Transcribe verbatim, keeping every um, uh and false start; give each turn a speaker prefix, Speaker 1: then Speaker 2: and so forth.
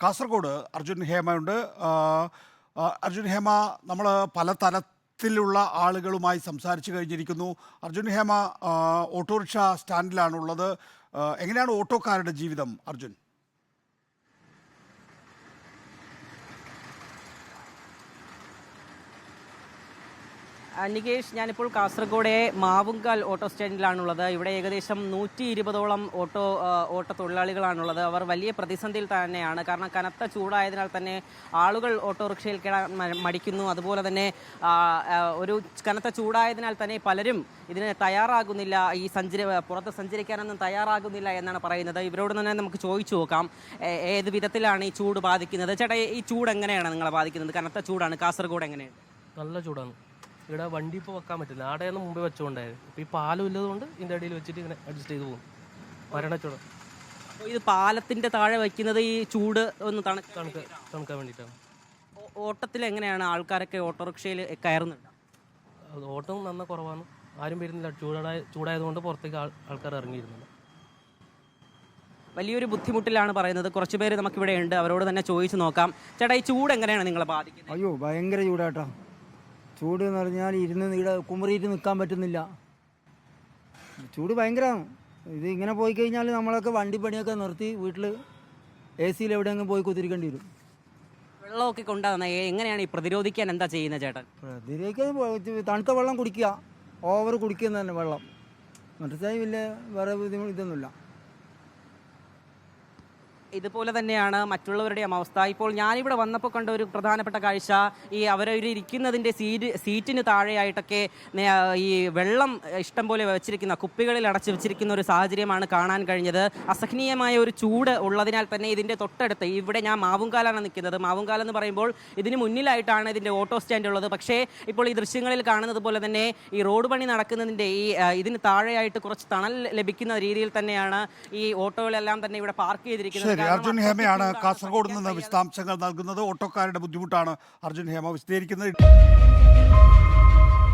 Speaker 1: കാസർഗോഡ് അർജുൻ ഹേമയുണ്ട്. ആ, ആ, അർജുൻ ഹേമ, നമ്മൾ പല തലത്തിലുള്ള ആളുകളുമായി സംസാരിച്ചു കഴിഞ്ഞിരിക്കുന്നു. അർജുൻ ഹേമ ആ, ഓട്ടോറിക്ഷ സ്റ്റാൻഡിലാണുള്ളത്. ആ, എങ്ങനെയാണ് ഓട്ടോക്കാരുടെ ജീവിതം അർജുൻ?
Speaker 2: നികേഷ്, ഞാനിപ്പോൾ കാസർഗോഡ് മാവുങ്കാൽ ഓട്ടോ സ്റ്റാൻഡിലാണുള്ളത്. ഇവിടെ ഏകദേശം നൂറ്റി ഇരുപതോളം ഓട്ടോ ഓട്ടോ തൊഴിലാളികളാണുള്ളത്. അവർ വലിയ പ്രതിസന്ധിയിൽ തന്നെയാണ്. കാരണം കനത്ത ചൂടായതിനാൽ തന്നെ ആളുകൾ ഓട്ടോറിക്ഷയിൽ കയറാൻ മടിക്കുന്നു. അതുപോലെ തന്നെ ഒരു കനത്ത ചൂടായതിനാൽ തന്നെ പലരും ഇതിന് തയ്യാറാകുന്നില്ല, ഈ സഞ്ചരി പുറത്ത് സഞ്ചരിക്കാനൊന്നും തയ്യാറാകുന്നില്ല എന്നാണ് പറയുന്നത്. ഇവരോട് തന്നെ നമുക്ക് ചോദിച്ചു നോക്കാം ഏത് വിധത്തിലാണ് ഈ ചൂട് ബാധിക്കുന്നത്. ചേട്ടാ, ഈ ചൂട് എങ്ങനെയാണ് നിങ്ങളെ ബാധിക്കുന്നത്? കനത്ത ചൂടാണ്. കാസർഗോഡ് എങ്ങനെയാണ്?
Speaker 3: നല്ല ചൂടാണ്. ഇവിടെ വണ്ടി ഇപ്പോൾ വെക്കാൻ പറ്റില്ല. ആടെയൊന്നും മുമ്പേ വെച്ചുകൊണ്ടായിരുന്നു. ഇപ്പോൾ ഈ പാലം ഇല്ലതുകൊണ്ട് ഇതിൻ്റെ അടിയിൽ വെച്ചിട്ട് ഇങ്ങനെ അഡ്ജസ്റ്റ് ചെയ്ത് പോകും. മരണച്ചൂട്.
Speaker 2: അപ്പോൾ ഇത് പാലത്തിൻ്റെ താഴെ വയ്ക്കുന്നത് ഈ ചൂട് ഒന്ന് തണുക്ക
Speaker 3: തണുക്ക തണുക്കാൻ വേണ്ടിയിട്ടാണ്.
Speaker 2: ഓട്ടത്തിൽ എങ്ങനെയാണ് ആൾക്കാരൊക്കെ ഓട്ടോറിക്ഷയിൽ കയറുന്നുണ്ട്?
Speaker 3: അത് ഓട്ടം നന്ന കുറവാണ്. ആരും വരുന്നില്ല. ചൂടായ ചൂടായതുകൊണ്ട് പുറത്തേക്ക് ആൾ ആൾക്കാർ ഇറങ്ങിയിരുന്നില്ല.
Speaker 2: വലിയൊരു ബുദ്ധിമുട്ടിലാണ് പറയുന്നത്. കുറച്ച് പേര് നമുക്കിവിടെ ഉണ്ട്, അവരോട് തന്നെ ചോദിച്ചു നോക്കാം. ചേട്ടാ, ഈ ചൂട് എങ്ങനെയാണ് നിങ്ങളെ ബാധിക്കുന്നത്?
Speaker 4: അയ്യോ, ഭയങ്കര ചൂടാട്ടോ. ചൂട് എന്ന് പറഞ്ഞാൽ ഇരുന്ന് ഇവിടെ കുമറിയിട്ട് നിൽക്കാൻ പറ്റുന്നില്ല. ചൂട് ഭയങ്കരമാണ്. ഇത് ഇങ്ങനെ പോയി കഴിഞ്ഞാൽ നമ്മളൊക്കെ വണ്ടി പണിയൊക്കെ നിർത്തി വീട്ടിൽ എ സിയിൽ എവിടെയെങ്കിലും പോയി കുത്തിരിക്കേണ്ടി വരും.
Speaker 2: വെള്ളമൊക്കെ കൊണ്ടാകുന്ന എങ്ങനെയാണ് ഈ പ്രതിരോധിക്കാൻ എന്താ ചെയ്യുന്നത് ചേട്ടൻ?
Speaker 4: പ്രതിരോധിക്കാൻ തണുത്ത വെള്ളം കുടിക്കുക, ഓവർ കുടിക്കുന്ന തന്നെ വെള്ളം. മറ്റേ വലിയ വേറെ ബുദ്ധിമുട്ട് ഇതൊന്നുമില്ല.
Speaker 2: ഇതുപോലെ തന്നെയാണ് മറ്റുള്ളവരുടെയും അവസ്ഥ. ഇപ്പോൾ ഞാനിവിടെ വന്നപ്പോൾ കണ്ട ഒരു പ്രധാനപ്പെട്ട കാഴ്ച, ഈ അവരവർ ഇരിക്കുന്നതിൻ്റെ സീറ്റ് സീറ്റിന് താഴെയായിട്ടൊക്കെ ഈ വെള്ളം ഇഷ്ടം പോലെ വെച്ചിരിക്കുന്ന കുപ്പികളിൽ അടച്ചു വെച്ചിരിക്കുന്ന ഒരു സാഹചര്യമാണ് കാണാൻ കഴിഞ്ഞത്. അസഹനീയമായ ഒരു ചൂട് ഉള്ളതിനാൽ തന്നെ ഇതിൻ്റെ തൊട്ടടുത്ത്, ഇവിടെ ഞാൻ മാവുങ്കാലാണ് നിൽക്കുന്നത്. മാവുങ്കാൽ എന്ന് പറയുമ്പോൾ ഇതിന് മുന്നിലായിട്ടാണ് ഇതിൻ്റെ ഓട്ടോ സ്റ്റാൻഡ് ഉള്ളത്. പക്ഷേ ഇപ്പോൾ ഈ ദൃശ്യങ്ങളിൽ കാണുന്നത് പോലെ തന്നെ ഈ റോഡ് പണി നടക്കുന്നതിൻ്റെ ഈ ഇതിന് താഴെയായിട്ട് കുറച്ച് തണൽ ലഭിക്കുന്ന രീതിയിൽ തന്നെയാണ് ഈ ഓട്ടോകളെല്ലാം തന്നെ ഇവിടെ പാർക്ക് ചെയ്തിരിക്കുന്നത്.
Speaker 1: അർജുൻ ഹേമയാണ് കാസർഗോഡ് നിന്ന് വിശദാംശങ്ങൾ നൽകുന്നത്. ഓട്ടോക്കാരുടെ ബുദ്ധിമുട്ടാണ് അർജുൻ ഹേമ വിശദീകരിക്കുന്നത്.